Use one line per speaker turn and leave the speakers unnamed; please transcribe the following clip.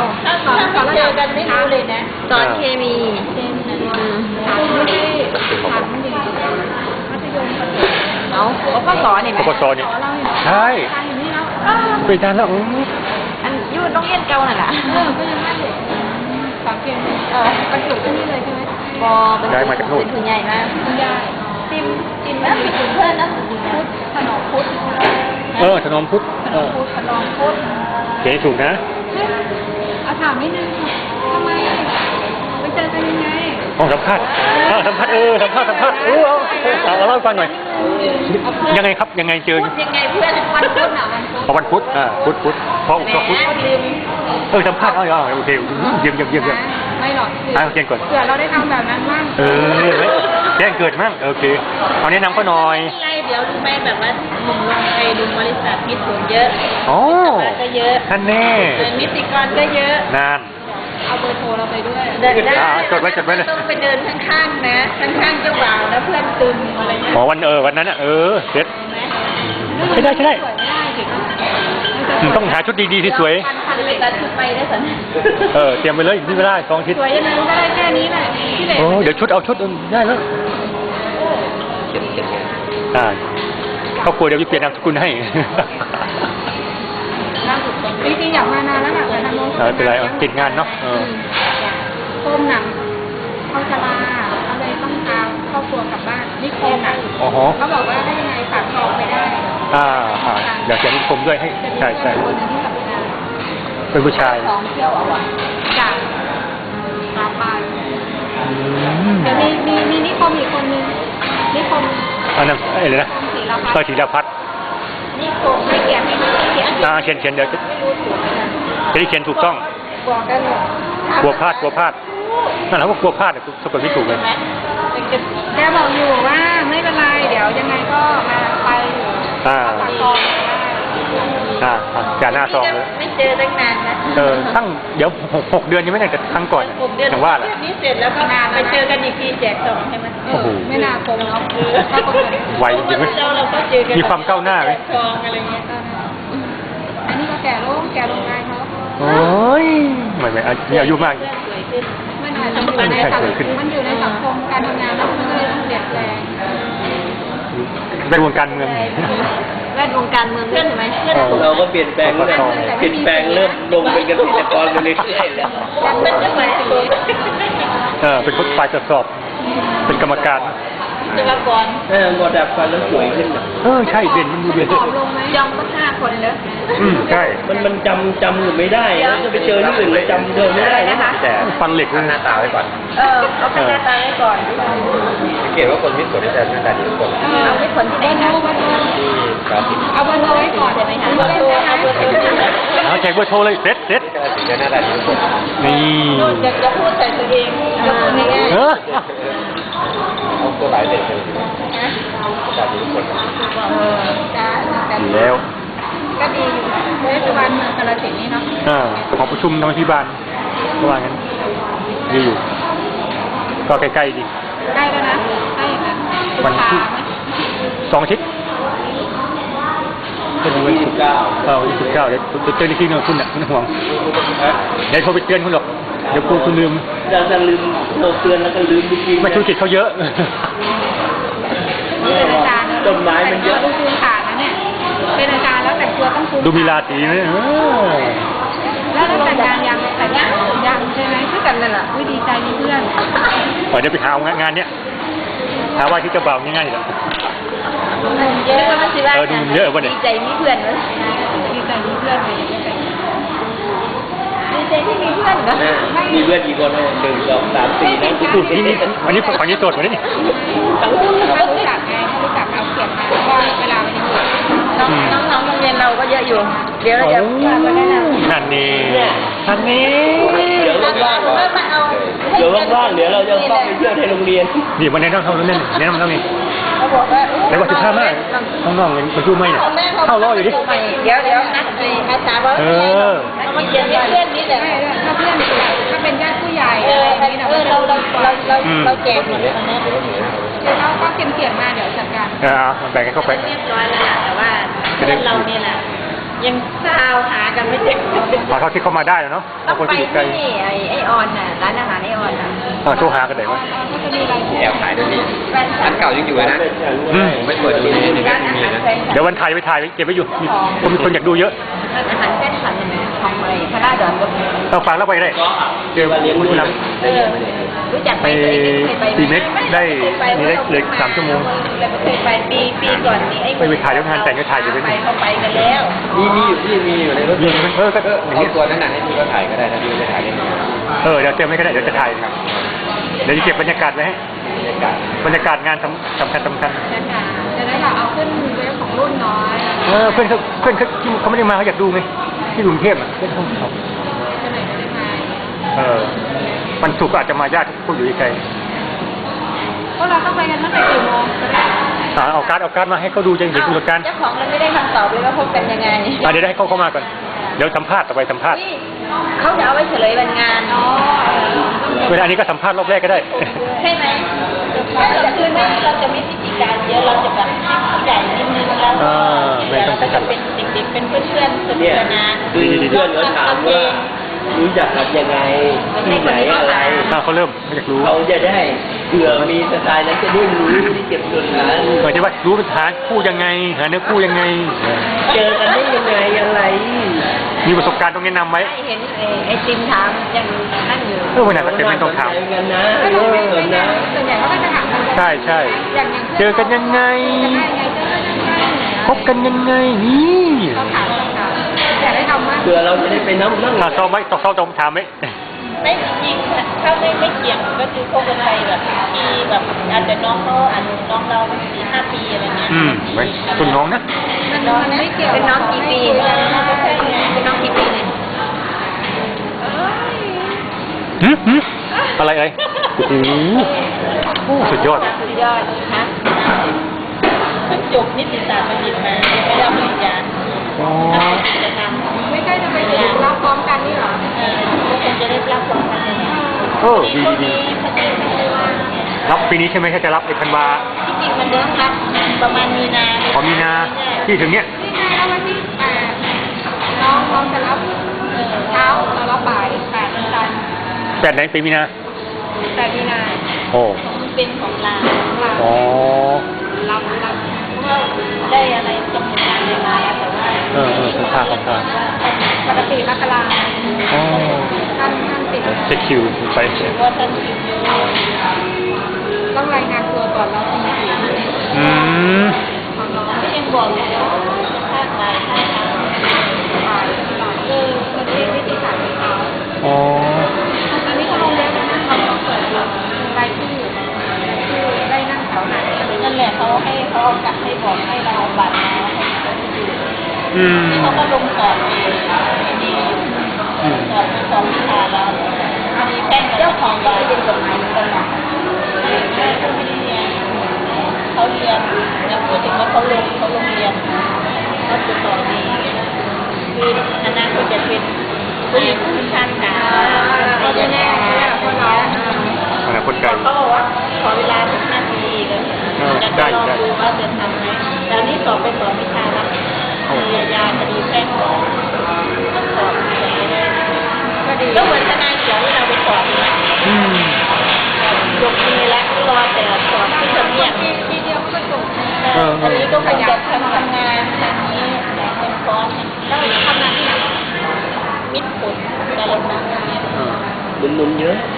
ถ้าเจอกันไม่รู้เลยนะ
สอนเคมี
ไม่ได้ผ่านมันดีมัธยม
เอาก็สอนนี่ไหม
ปสเนี่ยใช่ไปทานแล้ว
อันยูนต้องเรียนเก่าน่ะล่ะ
ก็ยังไม่เลยสามเกมบรรจุที่นี่เลยใช่ไหม
เป็นทุนใหญ่มาก
คุณยาย
ติมแล้วมีเพื่อนนะ
พุทธขนมพุทธ
ถนอมพุทธ
ขนมพุทธ
เขียนถูกนะ
เอาถามนิดนึงทำไมไปเจอกันยังไง
สัมภาษณ์สัมภาษณ์เอาเล่าฟังหน่อยยังไงครับยังไงเจอ
ยังไงเพื่อน
วันพุธพุธเพราะพุธสัมภาษณ์โอเคเยี่ยม
ไม่หรอก
เขียนก่อน
เผื่อเราได้ทำแบบนั้นบ้าง
แจ้งเกิดมั่งโอเคเอาแนะนำก็หน่อย
อะไรเดี๋ยวรู้ไหมแบบว่าหนุ่มลงไปดูบริษัทมิตรผลเยอะก็เยอะ
ท่านแน่
นิติกรก็เยอะ
นาน
เอาเบอร์โทรเราไปด้วย
เดินได้
จดไว้เลย
ต้องไปเดินข้างๆนะข้างๆเจ้าบ่าวนะเพื่อนตึมอะไรเงี้ย
วันนั้นเสร็จใช่ได้ต้องหาชุดดีๆที่สวย
ไปตัดชุดไปได้สัน
เตรียมไปเลยนี่ไม่ได้2 ทิศ
สวยยังไงก็ได้แค่นี้แหละ
เดี๋ยวชุดเอาชุดได้แล้วครอบครัวเดี๋ยวจะเปลี่ยนนามสกุลให้
จริงๆอยากมานานแล้วแหละแต่ทางโน้น
เป็นไรติดงานเนาะ
โคมหนังเข้าชลาอะไรต้องพาครอบครัวกลับบ้านนิคมเขาบอกว่าได้ยังไงฝากทองไปได้
อยากจะนิคมด้วยให้ใช่
คนนึงที่ทำงาน
เป็นผู้ชาย
ของเที่ยวจากมาปานเดี๋ยวมีนิคมอีกคนนึงนิคม
นั้นอะไรนะก็ธีรพัฒน์
นิคมไม่เขียนเขียน
เดี๋ยวจะได้เขียนถูกต้อง
บอกกันเลย
กลัวพลาดนั่นแหละว่ากลัวพลาดสะกดไม่ถูกเลย
แกบอกอยู่ว่าไม่เป็นไรเดี๋ยวยังไงก็มาไปฝากทอง
จ่าหน้าซองเลย
ไม่เจอตั้งนานนะ
ตั้งเดี๋ยว6 เดือนยังไม่ได้แต่ครั้งก่อนอย่างว่าแหละ
นี่เสร็จแล้วก็ไปเจอกันอีกทีแจกซองใช่ไหม
ไม่น่าคงเนาะ
ไวจริงไหมมีความก้าวหน้าไหม
ซองอะไรเงี้ย
อันนี้ก็แก่ลงงานเขา
โอ้ยไม่อายุมาก
มันอยู่ในสังคมการทำงานแล้วมันก็เลยต้องเปลี่ยนแปลง
เป็นวงการเมือง
แวดวงการเมืองใช่ไหม
เราก็เปลี่ยนแปลงเริ่มลงเป็นเกษตรกรกันเรื่อยๆแล้ว
เป็นจังหวะ
เป็นคนฝ่ายตรวจสอบเป็นกรรมการ
จุฬาภรณ์
หมดดับฟันแล้วสวยขึ้น
ใช่เด่นมันดูเด่น
ยอมก็5 คนเลย
ใช่
มันจำหรือไม่ได้จะไปเจอที่อื่นเลยจำเดิมไม่ได้นะคะ
แต่ฟันเหล็กหน้าตาไว้ก่อน
เอาหน้าตาไว้ก่อน
สังเกตว่าคนที่สวยแต่หน้าตาดีกว่า
เอาไม่คนที่ไหนคะ
เอาเบอร์โทรไว้ก่อนใช่ไหมคะ
เอาแจกเบอร์โทรเลยเซ็ต
ถึงจะหน้าตาดีกว่า
นี่
จะพูดแต่ตัวเองยกตัวนี้
เอาตัวหลายเด็กเลยตาดีทุกคน
แล้ว
ก็ดีอยู่เทศบาลเมืองกาฬสินธุ์นี่เนาะ
ขอประชุมทางที่บ้านเมื่อวานนั้นดีอยู่ก็ใกล้ๆดี
ใกล้แล้วนะใกล้อย่างนั้น
วันที่2 อาทิตย์จะดูวันที่19เดี๋ยวเตือนที่นึงคุณน่ะไม่ต้องห่วงเดี๋ยวโทรไปเตือนคุณหรอกเดี๋ยวคุณลืม
จะลืมโทรเตือนแล้วก็ลืมจริงๆ
ไม่ธุรกิจเขาเยอะ
เป็นอาจารย์
ต้นไม้มันเยอะ
ดูคุณขาดนะเนี่ยเป็นอาจารย์แล้วแต่งตัวต้องคุณ
ดูมีราศีไหม
แล้วแต่งงานยังใช่ไหมคือกันเลยล่ะดีใจมีเพื่อน
เดี๋ยวไปหางานเนี้ยหาว่าที่จะเบาง่ายๆหรอ
เยอะมันสิว่า
เยอะวันนี้
ดีใจมีเพื่อนเลย
ดีใจมีเพื่อนเลย
ดีใจที่มีเพื่อนเหรอ
มีเพื่อนกี่คน1 2 3 4นะ
นี่วันนี้ฝั่งนี้โสดวันนี้
เขารู้จักไงเขารู้จักเอาเขียนมาว่าเวลามันยัง
น้องโรงเรียนเราก็เยอะอยู่เดี๋ยวเราจะมาแนะนำ
นั่นนี่
เดี๋ยวว่างเดี๋ยวเราจะต้องไปเที่ยวในโรงเรียน
นี่มันแนะนำเท่านั้นแนะนำเท่านี้
เขาบอกว่า
แต่ว่า15 มากน้องๆมันชูไม่เนี่ยเข้ารออยู่ดิ
เดี๋ยวนัดอาสาบอกเขามาเขียนเพื่อนนี่แหละ
ถ้าเพื่อนถ้าเป็นญาติผู้ใหญ่
เราแจกหมดเลย
เราก็เขียนมาเดี๋ยวจัดการ
แบ่งกันเข้าไป
เรียบร้อยแล้วแต่ว่าเพื่อนเราเนี่ยแหละยังซาวหากันไม่เจอ
พอเขาที่เขามาได้แล้วเนาะ
ต้
บา
อง ง
คน
ไป
ที่อยู่ไกล
ที่นี่ไอออนน่ะร้านอาหารไอออนน่ะ
โทรหากันไหนวะ
ก็จะมีรายชื่อ
แอบถ่ายด้วยนี่อันเก่ายังอยู่นะ ผมไม่เปิดดูในเว็บมีนะ
เดี๋ยววันถ่ายไปถ่ายเก็บไว้อยู่มีคนอยากดูเยอะ
ร้านอาหารแค่สันเนี่ยของอะไรพระราดอนก็มี
ต้องฟังแล้วไปได้เจอคุณผู้นำ
รู้จัก
ไปตีเม็กได้นี่ได้เลย3 ชั่วโมง
แล้วก็เคยไปปีก่อนนี้ไอ้
ไปถ่ายแล้วงานแต่งก็ถ่ายอยู่ด้วย
ไปเขาไปกันแล้ว
มีอยู่ที่มีอยู่ในรถ
ก็อย่าง
เอา
นี้
ตัวนั้นน่ะให้พี่เขาถ่ายก็ได้ถ้าพี่จะถ่ายได้ไหม
เดี๋ยวเตรียมไว้ก็ได้เดี๋ยวจะถ่ายเดี๋ยวจะเก็บบรรยากาศไว้ให้
บรรยากาศ
บรรยากาศงานสำคัญ
นะคะจะได้เราเอาขึ้นเว็บของรุ่นน้อย
เพื่อนเขาไม่ได้มาเขาอยากดูไงที่กรุงเทพเพื่อนเขา
จะไหนไม่ได้มา
วันศุกร์ก็อาจจะมาญาติผู้อยู่ไกล
พวกเราต้องไปกันตั้งแต่กี่โมงจะได้
เอาการ์ดมาให้เขาดูจะเห็นกำหนดการ
เจ้าของยังไม่ได้คำตอบเลยว่าพบกันยังไง
เดี๋ยวให้เขามาก่อนเดี๋ยวสัมภาษณ์ต่อไปสัมภาษณ์
นี่เขาจะเอาไว้เฉลยวันงานอ๋อ
เวลาอันนี้ก็สัมภาษณ์รอบแรกก็ได้
ใช่ไหมถ้าเราคืนนี้เราจะมีพิธีการเยอะเราจะแบบผู้ใหญ่นิดนึงแล้วเราก็จะเป็นเด็กๆเป็นเพื่อนๆสนุ
เนี่ย
กสนาน
คือเพื่อนเขาถามว่ารู้จักกันยังไงที่ไหนอะไร
เขาเริ่มไม่อยากรู้
เขาจะได้เผื่อมีสไตล์นั้นจะได้รู้ที่เก็บส่วนนั้น
จะว่ารู้หาคู่ยังไงหาเนื้อคู่ยังไง
เจอกันได้ยังไงอะไร
มีประสบการณ์ต้องแนะนำไว้
เห็นไอ้ติมถามยังนั่งอยู่
วันไหนเป็นไม่ต้องถาม
กันนะ
ไม่รู้ไม่
เออ
ไม่
นะ
ส่วนใหญ่เขาก็จะถามกัน
ใช่ใช่
อย่าง
เจอกันยังไง
จะได้ไงเจอกันยังไง
พบกันยังไงนี่
ต้องถามอยากได้ทำมาก
เผื่อเราจะได้ไปนั่ง
ซ้อมไว้ซ้อมถามไหม
ไม่จริงๆถ้าไม่เกี่ยงก็คือคบกันไปแบบปีแบบอาจจะน้องเขาอาจจะน้องเรา4-5 ปีอะไรเงี้ย
ไว้คุณน้องนะ
มันไม่เกี่ยว
เป็นน้องกี่ปีเป็นน้องกี่ปีเนี่ย
อะไรโอ้โหสุดยอด
สุดยอดฮะเพิ่งจบนิติศาสตร์บัณฑิตมาไม่ได้ปริญญากิจกรรม
ไม่ใช่จะไปเรียนรับพร้อมกันนี่หรอ
ก็คงจะได้รับความพันธ์
ดีรับปีนี้ใช่ไหมถ้าจะรับไอ้ธันวา
ที่จริงมันเดิมรับประมาณมีนา
พอมีนาที่ถึงเนี้ย
นี่ไงแล้ววันที่8น้องจะรับเช้าเรารับบ่าย8วันจันทร์
8 ไหนปีมีนา
8 มีนา
โอ้
เป็นของลา
อ๋อ
รับ
เพราะว่าได้อะไรกำหนดการยังไงแต่ว่า
สัมภาษณ์
ปกติมกรา
อ๋อ
ท่านติด
เช็คคิวไป
ว่าท่านคิวเยอะ
ต้องรายงานตัวก่อนเราที ของน้อง
ก็ยังบอกอยู่ว่าภาคบ่ายภาคเช้า
บ่ายมันเป็นวิธีการของเขา
อ๋อ
ตอนนี้เขาลงเว็บแล้วนะเขาต้องเปิดรายชื่อได้นั่งแถวไหน
นั่นแหละเขาให้เขาเอากลับให้บอกให้เราเอาบัตรมาให้เขาดูที่เขาก็ลงสอบดีสอบวิชาแล้วอันนี้แป้งเจ้าของก็ไปเรียนกฎหมายเหมือนกันหรอแม่ก็ไม่ได้เรียนเขาเรียนแล้วพูดถึงว่าเขาลงเรียนเขาจะสอบดีคือคณะก็จะเป็นผู้หญิงผู้ชายค่ะ
เขาจะแน่คนน้อง
อนาคตไกล
เขาบอกว่าขอเวลา15 ปีเลยจะลองดูว่าจะทำไหมแต่นี่สอบไปสอบวิชาแล้วคดีอาญาคดีแพ่งสอบก็เหมือนทนายเขียวที่เราไปสอบนะจบปีแล้วรอแต่สอบที่จะเรียก
ปีเดียวก็จบ
ตอนนี้ก็ขยันทำงานแบบนี้เป็นคอร์ส
แล้วทำงานที่ไหน
มิตรผลแต่ละครั้ง
หนุ่มๆเยอะ
เ